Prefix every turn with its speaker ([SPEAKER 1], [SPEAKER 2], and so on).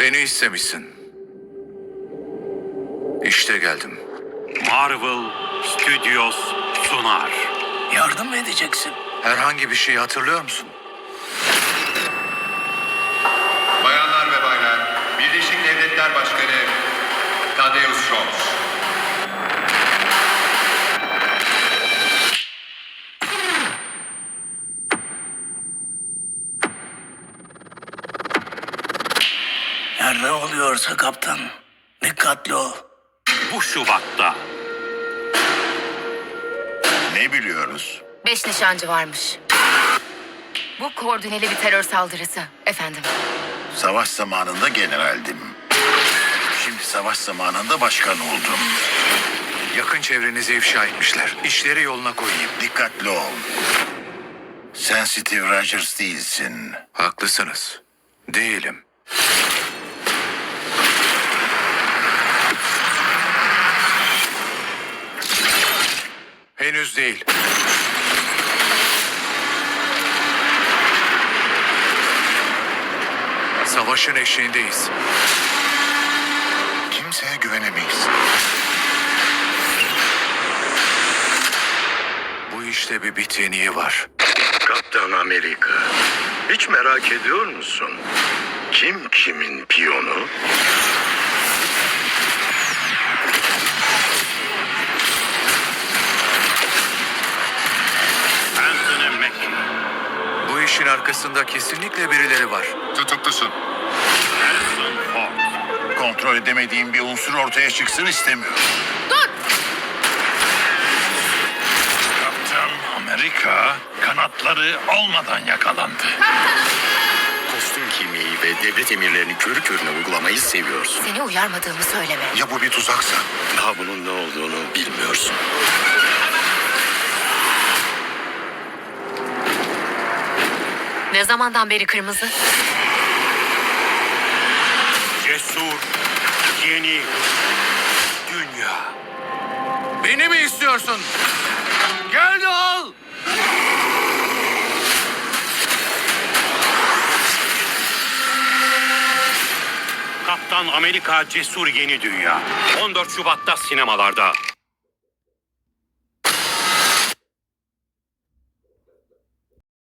[SPEAKER 1] Beni istemişsin. İşte geldim.
[SPEAKER 2] Marvel Studios sunar.
[SPEAKER 3] Yardım mı edeceksin?
[SPEAKER 1] Herhangi bir şeyi hatırlıyor musun?
[SPEAKER 4] Bayanlar ve baylar, Birleşik Devletler Başkanı Thaddeus Scholz.
[SPEAKER 3] Her ne oluyorsa kaptan, dikkatli ol.
[SPEAKER 2] Bu Şubat'ta.
[SPEAKER 4] Ne biliyoruz?
[SPEAKER 5] 5 nişancı varmış. Bu koordineli bir terör saldırısı efendim.
[SPEAKER 4] Savaş zamanında generaldim. Şimdi savaş zamanında başkan oldum.
[SPEAKER 1] Yakın çevrenizi ifşa etmişler. İşleri yoluna koyayım.
[SPEAKER 4] Dikkatli ol. Sen Steve Rogers değilsin.
[SPEAKER 1] Haklısınız. Değilim. Henüz değil. Savaşın eşiğindeyiz.
[SPEAKER 4] Kimseye güvenemeyiz.
[SPEAKER 1] Bu işte bir bit yeniği var.
[SPEAKER 6] Kaptan Amerika, hiç merak ediyor musun? Kim kimin piyonu?
[SPEAKER 2] Anthony Mackie.
[SPEAKER 1] Bu işin arkasında kesinlikle birileri var.
[SPEAKER 4] Tutuklusun.
[SPEAKER 2] Harrison Ford.
[SPEAKER 4] Kontrol edemediğim bir unsur ortaya çıksın istemiyorum.
[SPEAKER 6] Kaptan Amerika kanatları olmadan yakalandı. Kostüm giymeyi ve devlet emirlerini körü körüne uygulamayı seviyorsun.
[SPEAKER 5] Seni uyarmadığımı söyleme.
[SPEAKER 4] Ya bu bir tuzaksa?
[SPEAKER 6] Daha bunun ne olduğunu bilmiyorsun.
[SPEAKER 5] Ne zamandan beri kırmızı?
[SPEAKER 2] Cesur yeni dünya.
[SPEAKER 1] Beni mi istiyorsun? Gel de al!
[SPEAKER 2] Kaptan Amerika Cesur Yeni Dünya. 14 Şubat'ta sinemalarda.